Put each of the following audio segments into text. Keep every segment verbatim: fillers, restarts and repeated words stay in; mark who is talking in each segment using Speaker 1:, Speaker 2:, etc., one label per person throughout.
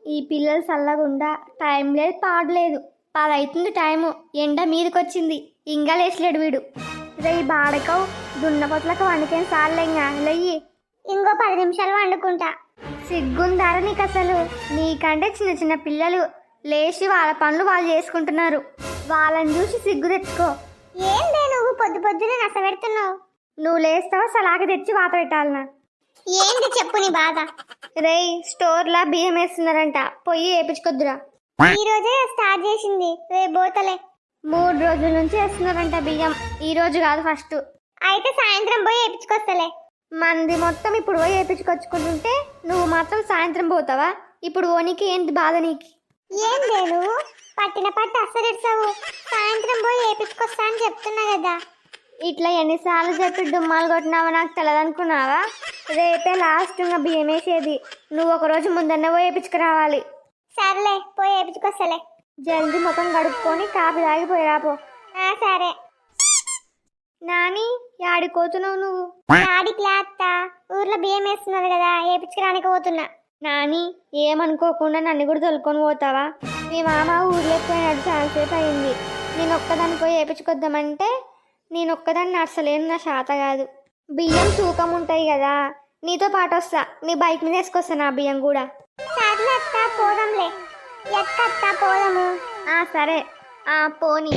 Speaker 1: ఈ పిల్లలు చల్లగుండా టైం లేదు పాడలేదు పది అవుతుంది టైము ఎండ మీదకొచ్చింది ఇంకా లేచలేడు వీడు రే బాడకవు దున్నపోతులకు వండుకేం సార్లేంగా లెయ్యి ఇంకో పది నిమిషాలు వండుకుంటా సిగ్గుందారా నీకు అసలు నీకంటే చిన్న చిన్న పిల్లలు లేచి వాళ్ళ పనులు వాళ్ళు చేసుకుంటున్నారు వాళ్ళని చూసి సిగ్గు తెచ్చుకో ఏందే నువ్వు పొద్దు పొద్దునే నస పెడుతున్నావు నువ్వు లేస్తావా సలాగ తెచ్చి వాత పెట్టాలనా ఏంటి చెప్పు నీ బాధ రేయ్ స్టోర్లా బియ్యం వేస్తున్నారంట పొయ్యి వేపించుకొద్దురా ఈ రోజే స్టార్ట్ చేసింది రేపు పోతలే మూడు రోజుల నుంచి వేస్తున్నారంట బియ్యం ఈ రోజు కాదు ఫస్ట్ అయితే సాయంత్రం పోయి వేపించుకొస్తలే మంది మొత్తం ఇప్పుడు పోయి వేపించుకొచ్చుకుంటుంటే నువ్వు మాత్రం సాయంత్రం పోతావా ఇప్పుడు ఓనికి ఏంటి బాధ నీకు ఏం లేదు పట్టిన పట్టు అస్సరిస్తావు సాయంత్రం పోయి వేపించుకొస్తా అని చెప్తున్నా కదా ఇట్లా ఎన్నిసార్లు చెప్పి డుమ్మాలు కొట్టినావా నాకు తెలదనుకున్నావా రేపే లాస్ట్ ఇంకా బియ్యం వేసేది నువ్వు ఒకరోజు ముందన్న పోయి వేపించుకురావాలి సర్లే పోయి వేపించుకొస్తలే జల్దీ ముఖం గడుపుకొని కాపీ తాగిపోయి రాపో సరే నాని యాడిపోతున్నావు నువ్వు యాడికి లేత్త ఊర్లో బియ్యం వేస్తున్నారు కదా వేపించుకురానికి పోతున్నా నాని ఏమనుకోకుండా నన్ను కూడా తొలుకొని పోతావా మీ మామ ఊర్లోకి పోయినాడు చాలాసేపు అయింది నేను ఒక్కదాన్ని పోయి వేపించుకొద్దామంటే నేను ఒక్కదాన్ని నడసలేను నా శాత కాదు బియ్యం తూకం ఉంటాయి కదా నీతో పాటు వస్తా నీ బైక్ మీద వేసుకొస్తా నా బియ్యం కూడా సర్లే అత్త పోదాంలే ఎత్త పోదాము ఆ సరే ఆ పోనీ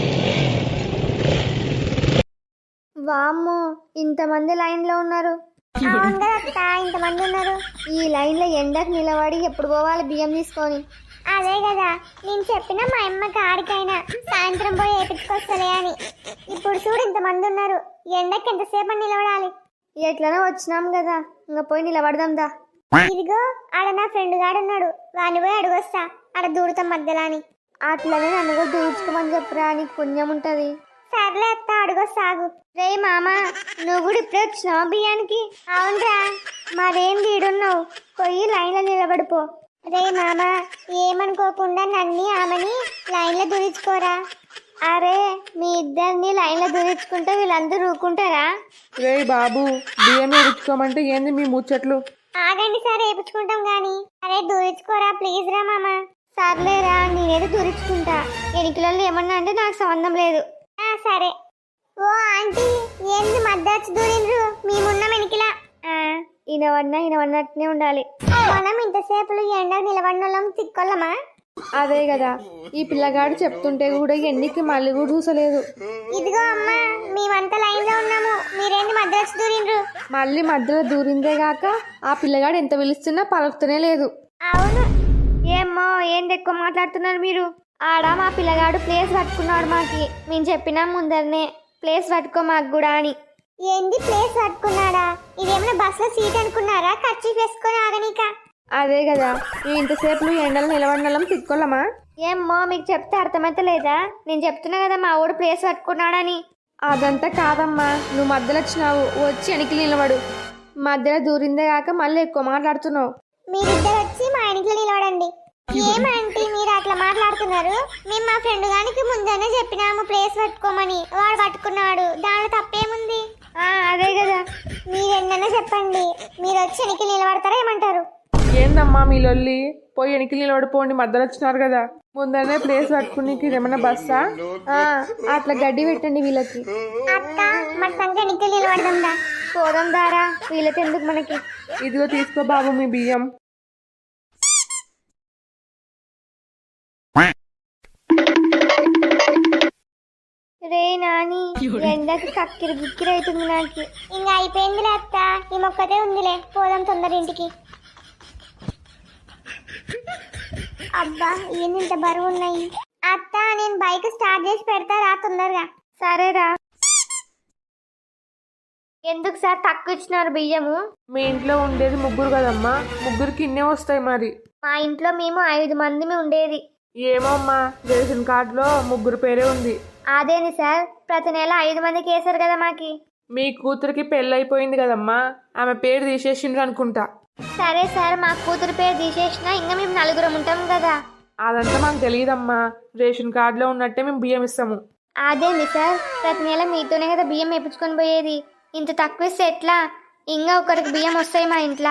Speaker 1: వామ్మో ఇంతమంది లైన్లో ఉన్నారు అవును కదా అత్త ఇంతమంది ఉన్నారు ఈ లైన్లో ఎండకు నిలబడి ఎప్పుడు పోవాలి బియ్యం తీసుకొని అదే కదా నేను చెప్పిన మా అమ్మకి ఆడికైనా సాయంత్రం పోయి వేపించుకొస్తలే అని ఇప్పుడు చూడు ఇంతమంది ఉన్నారు ఎండకి ఎంతసేపు నిలబడాలి ఎట్లనో వచ్చినాం కదా ఇంకా పోయి నిలబడదాందా ఇదిగో ఆడ నా ఫ్రెండ్ గాడున్నాడు వాడిని పోయి అడుగొస్తా ఆడ దూడతాం మధ్యలో అని అట్లనే నన్ను కూడా దూచుకోమని చెప్పురా నీకు పుణ్యం ఉంటది సర్లే అత్త అడుగొస్తాగు రే మామ నువ్వు కూడా ఇప్పుడే వచ్చినావా బియ్యానికి అవునరా మరేం వీడున్నావు పోయి లైన్లో నిలబడిపో రే మామ ఏమనుకోకుండా నన్ను ఆమెని లైన్లో దూరించుకోరా అరే మీ ఇద్దరిని లైన్లో దూరించుకుంటే వీళ్ళందరూ ఊరుకుంటారా
Speaker 2: రే బాబు బియ్యం వేయించుకోమంటే ఏంది మీ ముచ్చట్లు
Speaker 1: ఆగండి సార్ వేయించుకుంటాం గాని అరే దూరించుకోరా ప్లీజ్ రా మామ సర్లేరా నేనేదో దూరించుకుంటా ఎనికిలలో ఏమన్నా అంటే నాకు సంబంధం లేదు సరే ఓ ఆంటీ ఏంది మద్దతు దూరిండ్రు మేమున్న వెనికిలా ఈయనవన్నా ఈయనవన్నట్టునే ఉండాలి మనం ఇంతసేపు ఎండ నిలబడినోళ్ళం తిక్కొల్లమా
Speaker 2: అదే కదా ఈ పిల్లగాడు చెప్తుంటే కూడా ఎన్నికి మళ్ళీ కూడా చూసలేదు
Speaker 1: ఇదిగో అమ్మా మేమంతా లైన్ లో ఉన్నాము మీరేంటి మధ్యలో వచ్చి దూరిండ్రు
Speaker 2: మళ్ళీ మధ్యలో దూరిందే గాక ఆ పిల్లగాడు ఎంత పిలుస్తున్నా పలుకుతూనే లేదు
Speaker 1: అవును ఏమ్మో ఏంటి ఎక్కువ మాట్లాడుతున్నారు మీరు ఆడ మా పిల్లగాడు ప్లేస్ పట్టుకున్నాడు మాకి మేము చెప్పినా ముందరనే ప్లేస్ పట్టుకో మాకు కూడా అని ఏంది ప్లేస్ పట్టుకున్నాడా ఇదేమైనా బస్ లో సీట్ అనుకున్నారా ఖర్చు వేసుకొని ఆగనీక
Speaker 2: అదే కదా ఈ ఇంతసేపు ఎండలు నిలబడినలం తిక్కోలమా
Speaker 1: ఏమ్మో మీకు చెప్తే అర్థమైతే లేదా నేను చెప్తున్నా కదా మా ఊడు ప్లేస్ పట్టుకున్నాడని
Speaker 2: అదంతా కాదమ్మా నువ్వు మధ్యలో వచ్చినావు వచ్చి వెనక్కి నిలబడు మధ్యలో దూరిందే కాక మళ్ళీ ఎక్కువ మాట్లాడుతున్నావు
Speaker 1: మీరిద్దరు వచ్చి మా ఇంట్లో నిలబడండి ఏమంటే మీరు అట్లా మాట్లాడుతున్నారు మేము మా ఫ్రెండ్ గానికి ముందనే చెప్పినాము ప్లేస్ పట్టుకోమని వాడు పట్టుకున్నాడు దాంట్లో తప్పేముంది అదే కదా మీరు ఎన్నైనా చెప్పండి మీరు వచ్చి వెనక్కి నిలబడతారా ఏమంటారు
Speaker 2: ఏందమ్మా మీ లొల్లి పోయి వెనక్కి నిలబడిపోండి మధ్యలో వచ్చినారు కదా ముందరనే ప్లేస్ పట్టుకుని ఏమన్నా బస్సా అట్లా గడ్డి పెట్టండి వీళ్ళకి
Speaker 1: అక్క మన సంఖ్య వెనక్కి నిలబడదా పోదాం దారా వీళ్ళకి ఎందుకు మనకి
Speaker 2: ఇదిగో తీసుకో బాబు మీ బియ్యం
Speaker 1: రే నాని ఎండకి కక్కిరి బిక్కిరి అవుతుంది నాకు ఇంకా అయిపోయిందిలే అత్త ఈ మొక్కతే ఉందిలే పోదాం తొందర ఇంటికి అబ్బా ఏంది ఇంత బరువు ఉన్నాయి అత్త నేను బైక్ స్టార్ట్ చేసి పెడతా రా తొందరగా సరేరా ఎందుకు సార్ తక్కువ ఇచ్చినారు బియ్యము
Speaker 2: మీ ఇంట్లో ఉండేది ముగ్గురు కదమ్మా ముగ్గురికి ఇన్నే వస్తాయి మరి
Speaker 1: మా ఇంట్లో మేము ఐదు మంది ఉండేది
Speaker 2: ఏమో అమ్మా రేషన్ కార్డులో ముగ్గురు పేరే ఉంది
Speaker 1: అదేని సార్ ప్రతి నెల ఐదు మందికి వేసారు కదా మాకి
Speaker 2: మీ కూతురికి పెళ్ళైపోయింది కదమ్మా ఆమె పేరు తీసేసిండ్రు అనుకుంటా
Speaker 1: సరే సార్ మా కూతురు పేరు తీసేసినా ఇంకా మేము నలుగురం ఉంటాం కదా
Speaker 2: అదంతా మాకు తెలియదమ్మా రేషన్ కార్డులో ఉన్నట్టే మేము బియ్యం ఇస్తాము
Speaker 1: అదేంది సార్ ప్రతి నెల మీతోనే కదా బియ్యం వేపించుకొని పోయేది ఇంత తక్కువ ఇస్తే ఎట్లా ఇంకా ఒకరికి బియ్యం వస్తాయి మా ఇంట్లో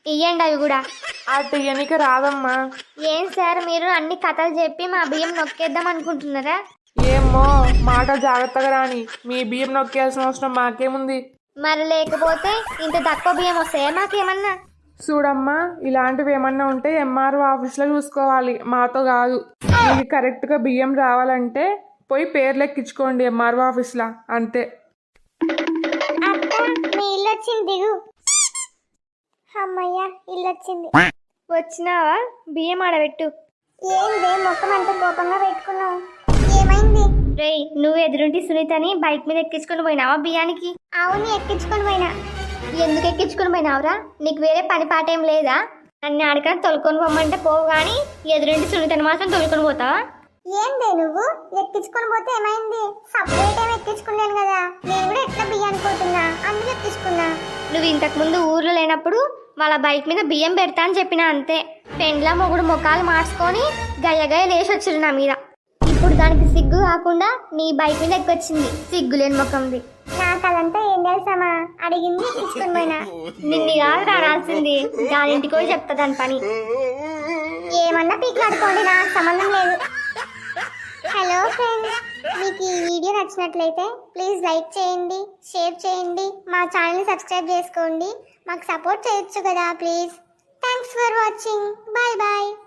Speaker 1: ఇయ్యండి అవి కూడా.
Speaker 2: అటు ఇయ్యనిక రాదమ్మా.
Speaker 1: ఏం సార్ మీరు అన్ని కథలు చెప్పి మా బియ్యం నొక్కేద్దాం అనుకుంటున్నారా?
Speaker 2: ఏమో మాట జాగ్రత్తగా రాని, మీ బియ్యం నొక్కేయాల్సిన అవసరం మాకేముంది.
Speaker 1: మరి లేకపోతే ఇంత తక్కువ బియ్యం వస్తాయా మాకేమన్నా?
Speaker 2: చూడమ్మా, ఇలాంటివి ఏమన్నా ఉంటే ఎంఆర్ఓ ఆఫీస్లో చూసుకోవాలి, మాతో కాదు. మీకు కరెక్ట్గా బియ్యం రావాలంటే పోయి పేర్లు ఎక్కించుకోండి ఎంఆర్ఓ ఆఫీస్లో, అంతే.
Speaker 1: అత్త మీ ఇల్లు వచ్చింది, దిగు. అమ్మయ్య ఇల్లు వచ్చింది. వచ్చినావా? బియ్యం ఆడబెట్టు. ఏందే ముఖం అంత కోపంగా పెట్టుకున్నావు, ఏమైంది? రేయ్ నువ్వు ఎదురుంటి సునీతని బైక్ మీద ఎక్కించుకొని పోయినావా బియ్యానికి? అవును ఎక్కించుకొని పోయినా. ఎందుకు ఎక్కించుకొని పోయినావురా? నీకు వేరే పని పాట ఏం లేదా? నన్ను ఆడకన్నా తొలుకొని పోమంటే పోవు కానీ ఎదురుంటి సునీతని మాత్రం తొలుకొని పోతావా? ఏందే నువ్వు ఎక్కించుకొని పోతే ఏమైంది? సపరేట్ ఏమి ఎక్కించుకున్నాను కదా, నేను కూడా ఎట్లా బియ్యానికి పోతున్నా, అందుకు ఎక్కించుకున్నా. నువ్వు ఇంతకు ముందు ఊర్లో లేనప్పుడు వాళ్ళ బైక్ మీద బియ్యం పెడతా అని చెప్పినా అంతే. పెండ్లా మొగుడు ముఖాలు మార్చుకొని గయ్యగయ్య లేచి వచ్చిరు నా మీద. ఇప్పుడు దానికి సిగ్గు కాకుండా నీ బైక్ మీద ఎక్కొచ్చింది, సిగ్గులేని ముఖంది. నాకు అదంతా ఏం తెలుసామా, అడిగింది ఎక్కించుకొని పోయినా. నిన్ను కాదు రారాల్సింది, దాని ఇంటికి పోయి చెప్తా దాని పని. ఏమన్నా పీకులాడుకోండి, నాకు సంబంధం లేదు. హలో ఫ్రెండ్స్, మీకు ఈ వీడియో నచ్చినట్లయితే ప్లీజ్ లైక్ చేయండి, షేర్ చేయండి, మా ఛానల్ని సబ్స్క్రైబ్ చేసుకోండి. మాకు సపోర్ట్ చేయొచ్చు కదా please. Thanks for watching, bye bye.